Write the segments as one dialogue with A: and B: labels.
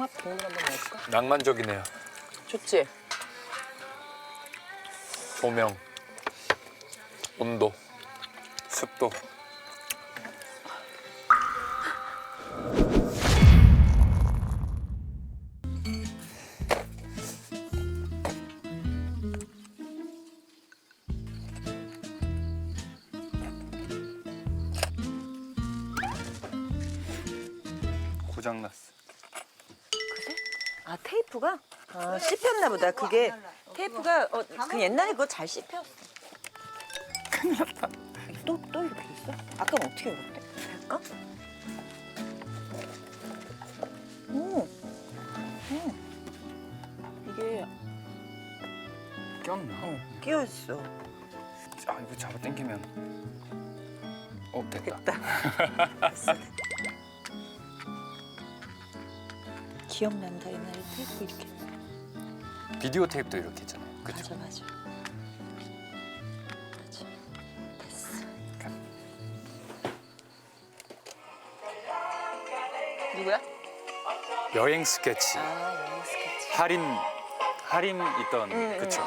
A: 홍합 국물 한번 넣을까?
B: 낭만적이네요.
A: 좋지?
B: 조명, 온도, 습도. 고장났어.
A: 아 테이프가? 아 씹혔나 보다. 그게 테이프가 그 옛날에 그거 잘 씹혔어.
B: 큰일 났다.
A: 또 이렇게 됐어? 아까는 어떻게 먹었대? 할까? 이게
B: 꼈나?
A: 끼어 있어.
B: 아, 이거 잡아 당기면. 됐다.
A: 됐어. 기억난다 옛날에 테이프 이렇게.
B: 비디오 테이프도 이렇게 했잖아요. 그쵸?
A: 맞아. 됐어. 누구야?
B: 여행 스케치.
A: 아 영어 스케치.
B: 할인 있던 그쵸?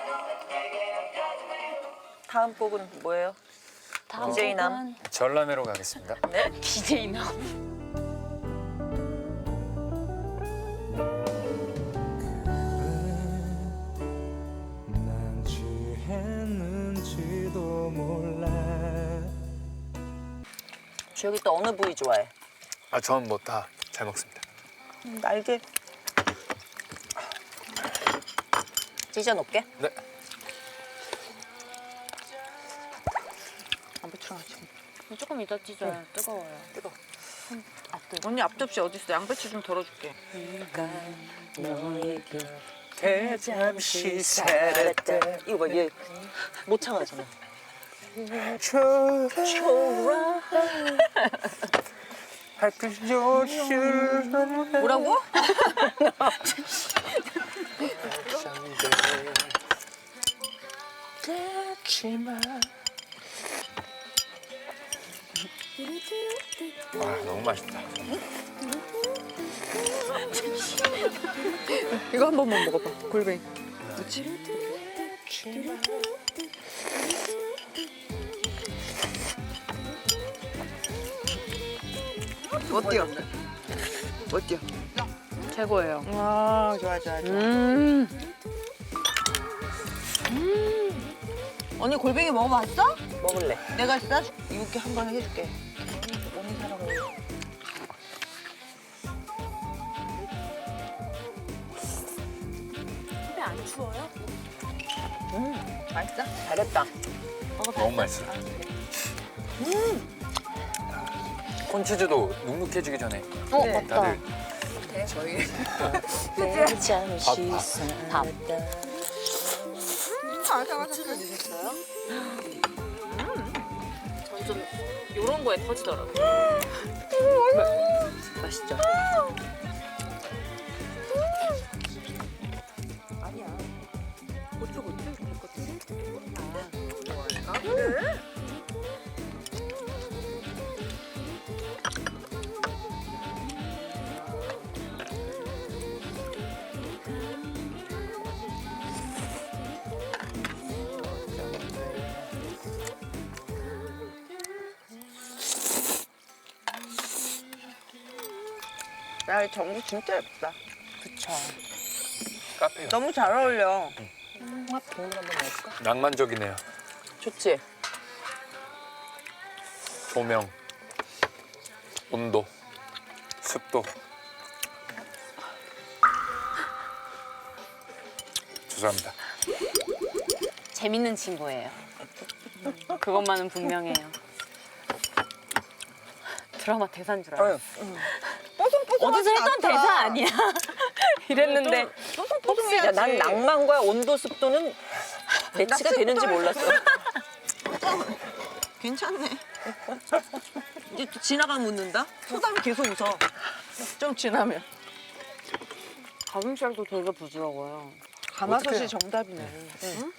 A: 다음 곡은 뭐예요?
C: 다음
A: DJ 남.
C: 곡은
B: 전람회로 가겠습니다.
A: 네.
C: DJ 남.
D: 난 취했는지도 몰라.
A: 주혁이 또 어느 부위 좋아해?
B: 아, 전 뭐 다 잘 먹습니다.
A: 날개. 찢어 놓을게.
B: 네.
A: 안 붙여가지고.
C: 조금 이따 찢어요. 뜨거워요.
A: 뜨거.
E: 언니 앞접시 어디 있어? 양배추 좀 덜어줄게.
A: 너에게 잠시 살았다. 이거 봐, 얘 못 참아잖아. 초라. 뭐라고?
B: 아, 너무 맛있다.
E: 이거 한 번만 먹어봐. 골뱅이. 그렇지? 어때요? 어때요?
C: 최고예요.
E: 와 좋아. 언니 골뱅이 먹어봤어?
A: 먹을래.
E: 내가 싸줄 이렇게 한 번 해줄게. 언니 사랑해.
C: 집에 안 추워요?
E: 맛있어?
A: 잘했다.
B: 너무 맛있어. 콘치즈도 눅눅해지기 전에
C: 맞다.
B: 다들
E: 저희
A: 잠시
C: 밥. 점점 이런 거에 터지더라고요.
A: 맛있죠? 아니야. 고추 이렇게 했거든. 아, 그래?
E: 야, 이 전구 진짜 예쁘다.
A: 그쵸.
B: 카페요.
E: 너무 잘 어울려.
A: 홍합 국물 한번 넣을까?
B: 낭만적이네요.
A: 좋지?
B: 조명, 온도, 습도. 죄송합니다.
C: 재밌는 친구예요. 그것만은 분명해요. 드라마 대사인 줄 알았어. 어디서 했던 대사 아니야. 이랬는데
A: 야, 난 낭만과 온도, 습도는 매치가 되는지 몰랐어.
E: 괜찮네. 이제 또 지나가면 웃는다? 소담이 계속 웃어. 좀 지나면.
C: 가슴살도 되게 부드러워요.
E: 가마솥이 정답이네.
B: 응?